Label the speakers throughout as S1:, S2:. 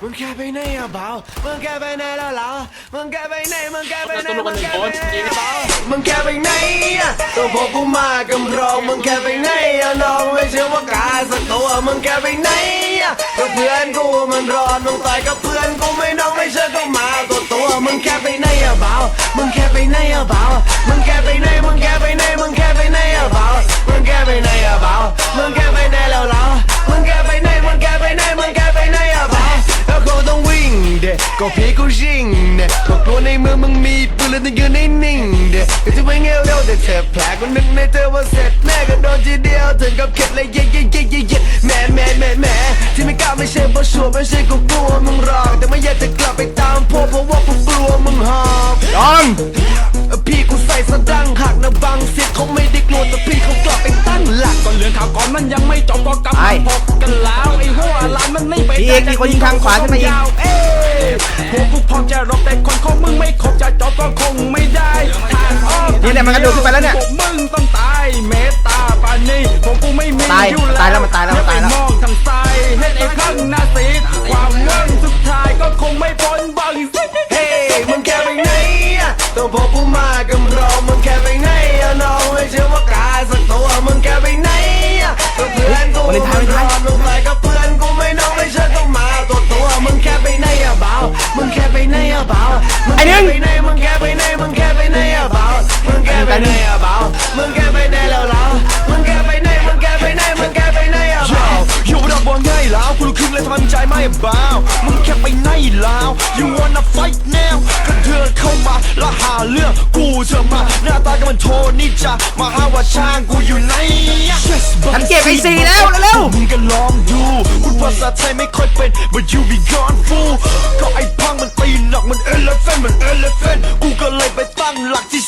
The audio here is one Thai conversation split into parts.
S1: มึงแค่ไปไหนอะเบามึงแค่ไปไหนแล้วล่ะมึงแค่ไปไหนมึงแค่ไปไหนมึงแค่ไปไหนเบามึงแค่ไปไหนอะตัวพวกกูมากำรองมึงแค่ไปไหนอะน้องไม่เชื่อว่ากาสักตัวมึงแค่ไปไหนอะตัวเพื่อนกูมันรอมึงต่อยกับเพื่อนกูไม่น้องไม่เชื่อก็มาตัวมึงแค่ไปไหนอะเบามึงแค่ไปไหนอะเบามึงแค่ไปไหนมึงแค่ไปไหนมึงแค่ไปไหนอะเบามึงแค่ไปไหนอะเบามึงแค่ไปไหนแล้วล่ะมึงแค่ไปไหนมึงแค่ไปไหนมึงแค่ไปไหนอะเบาแล้วเขาต้องวิ่งเด็กก็พี่กูชิงเด็กพวกตัวในเมืองมึงมีปืนแล้วต้องยืนนิ่งเด็กก็จะไม่เงี้ยวเร็วแต่เจ็บแผลกูนึกในเธอว่าเสร็จแน่ก็โดนทีเดียวถึงกับเข็ดเลยเย่แหมที่ไม่กล้าไม่ใช่เพราะชัวร์ไม่ใช่กูกลัวมึงหรอกแต่ไม่อยากจะกลับไปตามพวกเพราะว่ากูกลัวมึงหอบพี่กูใส่สะดังหักนะบางเสียเขาไม่ได้กลัวแต่พี่เขากลับไปตั้งหลักก่อนเรื่องข่าวก่อนมันยังไม่จบก็กำลังพบกันแล้วไอ้หัวล้านมันไม่ไปพี่เอกมีคนยิงทางขวาขึ้นมาอีกพวกกูพร้อมจะรบแต่คนของมึงไม่ครบจะจบก็คงไม่ได้ทางออกนี่แหละมันกระโดดขึ้นไปแล้วเนี่ยมึงต้องตายเมตตาปานีพวกกูไม่มีอยู่แล้วตายแล้วมันตายแล้วมองทางซ้ายเห็นไอ้ข้างหน้าสีความเงื่อนสุดท้ายก็คงไม่พ้นบังเฮ้มึงแค่ไปไหนต้องพบกูมากำรองมึงแค่ไปไหนน้องไม่เชื่อว่ากาสักตัวมึงแค่ไปไหนตัวเพื่อนกูมันรอมึงไปกับเพื่อนกูไม่น้องไม่เชื่อต้องมาตัวมึงแค่ไปไหนอะเบามึงแค่ไปไหนอะเบามึงแค่ไปไหนมึงแค่ไปไหนมึงแค่ไปไหนอะเบามึงแค่ไปไหนอะเบามึงแค่ไปไหนแล้วล่ะมึงแค่ไปไหนมึงแค่ไปไหนมึงแค่ไปไหนอะเบาอยู่ระดับบอลง่ายแล้วคุณขึ้นเลยทำใจไม่เบามึงแค่ไปไหนแล้ว you wanna fight now ก็เดินเข้ามาแล้วหาเรื่องกูจะมาหน้าตาก็มันโทนี่จะมาหาว่าช่างกูอยู่ไหนฉันเก็บไอซีแล้วเร็วมึงก็ลองดูพูดภาษาไทยไม่ค่อยเป็น but you be gone fool ก็ไอ้พังมันตีหนักมัน elephant กูก็เลยไปตั้งหลักที่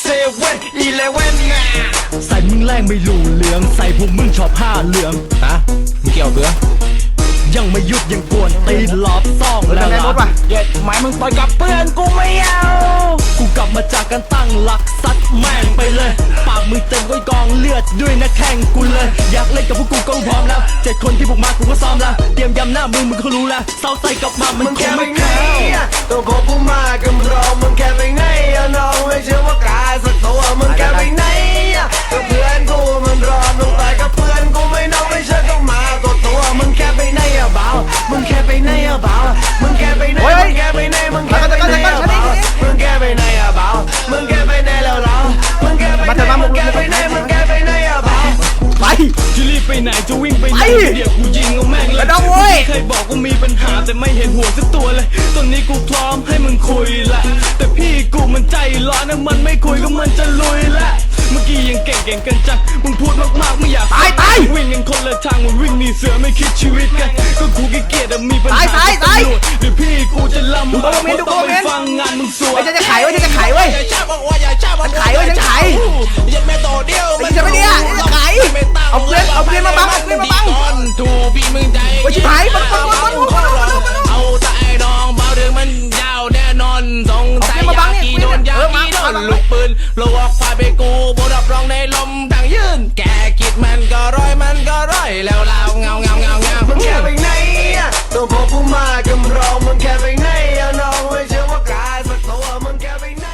S1: 7-11ไงใส่มึงแรงไม่รู้เหลืองใส่พวกมึงชอบผ้าเหลืองฮะมึงเกี่ยวเบื่อยังไม่หยุดยังกวนตีหลอบซ่องแล้วล่ะเย็ดหมายมึงต่อยกับเพื่อนกูไม่เอากูกลับมาจากการตั้งหลักซัดแม่งไปเลยปากมึงเต็มด้วยกองเลือดด้วยนะแข่งกูเลยอยากเล่นกับพวกกูก็พร้อมแล้ว7 คนที่พวกมากูก็ซ้อมแล้วเตรียมยำหน้ามึงก็รู้แล้วเศร้าใจกับมามันคงไม่เข้าตัวพวกกูมากำรองมึงแค่ไปไหนน้องไม่เชื่อว่ากาสักตัวมึงแค่ไปไหนกับเพื่อนกูมันรอมึงตายกับเพื่อนกูไม่น้องไม่เชื่อก็มาตัวมึงแค่ไปไหนอะเบามึงแค่ไปไหนอะเบามึงแค่ไปไหนมึงแค่ไปไหนมึงแค่ไปไหนอะเบามึงแค่ไปไหนอะเบามึงแค่ไปไหนแล้วล่ะมึงแค่ไปไหนมึงแค่ไปไหนมึงแค่ไปไหนอะเบาไปจะรีบไปไหนจะวิ่งไปไหนเดี๋ยวกูยิงเอาแม่งเลยเคยบอกกูมีปัญหาแต่ไม่เห็นหัวสักตัวเลยตอนนี้กูพร้อมให้มึงคุยละแต่พี่กูมันใจร้อนนะมันไม่คุยก็มันจะลุยละเมื่อกี้ยังเก่งกันจังมึงพูดมากๆไม่อยากตายวิ่งกันคนละทางมันวิ่งหนีเสือไม่คิดชีวิตกันก็กูขี้เกียจมีปัญหาตายหรือพี่กูจะลำบากเพราะต้องไปฟังงานมึงสวยจะขายไว้จะขายไว้ฉันขายไว้ฉันขายยัดแม่ต่อเดียวมันจะไม่เนี่ยจะขายเอาเพื่อนมาบังถูกพี่มึงใจโอ้ยชิบหายมันเอาแต่ไอ้น้องเบาเรื่องมันยาวแน่นอนสงสัยยากีโดนลูกปืนโลวอกพาไปกูบดับร้องในลมดังยืนแกคิดมันก็ร้อยแล้วเราเงามึงแค่ไปไหนตัวพวกกูมากำรองมึงแค่ไปไหนน้องไม่เชื่อว่ากาสักตัวมึงแค่ไปไหน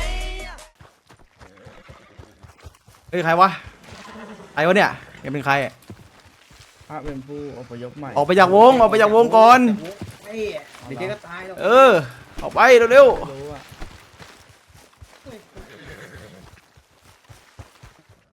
S2: เฮ้ยใครวะเนี่ยยังเป็นใคร
S3: พระเป็นผู้อพยพใหม่
S2: ออกไปจากวงก่อน
S3: เดี๋ยวแกก็ตายแล้ว
S2: ออกไปเร็วๆ